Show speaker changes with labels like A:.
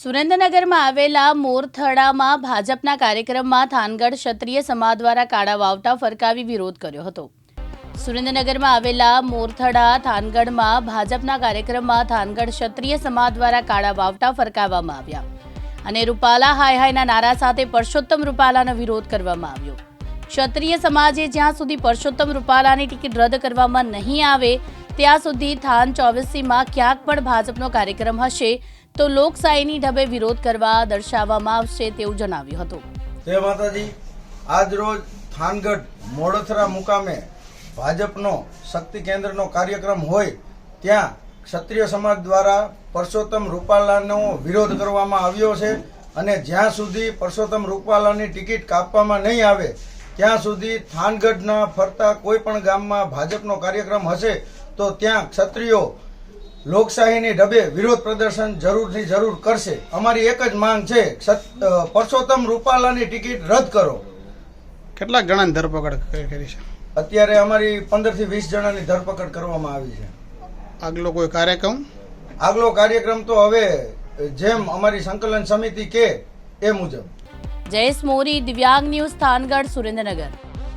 A: સુરેન્દ્રનગરમાં આવેલા મોરથડામાં ભાજપના કાર્યક્રમમાં થાનગઢ ક્ષત્રિય સમાજ દ્વારા કાળા વાવટા ફરકાવી વિરોધ કર્યો હતો। સુરેન્દ્રનગરમાં આવેલા મોરથડા થાનગઢમાં ભાજપના કાર્યક્રમમાં થાનગઢ ક્ષત્રિય સમાજ દ્વારા કાળા વાવટા ફરકાવવામાં આવ્યા અને રૂપાલા હાય હાયના નારા સાથે પરસોત્તમ રૂપાલાનો વિરોધ કરવામાં આવ્યો। ક્ષત્રિય સમાજે જ્યાં સુધી પરસોત્તમ રૂપાલાની ટિકિટ રદ કરવામાં નહીં આવે ત્યાં સુધી થાન 24માં ક્યાંક પણ ભાજપનો કાર્યક્રમ હશે તો લોકશાહીની ઢબે વિરોધ કરવા દર્શાવવામાં આવશે તેવું જણાવ્યું હતું।
B: જય માતાજી। આજ રોજ થાનગઢ મોડથરા મુકામે ભાજપનો શક્તિ કેન્દ્રનો કાર્યક્રમ હોય ત્યાં ક્ષત્રિય સમાજ દ્વારા પરસોત્તમ રૂપાલાનો વિરોધ કરવામાં આવ્યો છે અને જ્યાં સુધી પરસોત્તમ રૂપાલાની ટિકિટ કાપવામાં નહીં આવે ત્યાં સુધી થાનગઢના ફરતા કોઈ પણ ગામમાં ભાજપનો કાર્યક્રમ હશે તો ત્યાં ક્ષત્રિયો લોકશાહીની ઢબે વિરોધ પ્રદર્શન જરૂરથી જરૂર કરશે। અમારી એક જ માંગ છે, પરસોત્તમ રૂપાલાની ટિકિટ રદ કરો।
C: કેટલાક જણાની ધરપકડ કરી છે?
B: અત્યારે અમારી 15 થી 20 જણાની ધરપકડ કરવામાં આવી છે।
C: આગલો કોઈ કાર્યક્રમ?
B: આગલો કાર્યક્રમ તો હવે જેમ અમારી સંકલન સમિતિ કે એ મુજબ।
A: જયેશ મોરી, દિવ્યાંગ ન્યૂઝ, થાનગઢ, સુરેન્દ્રનગર।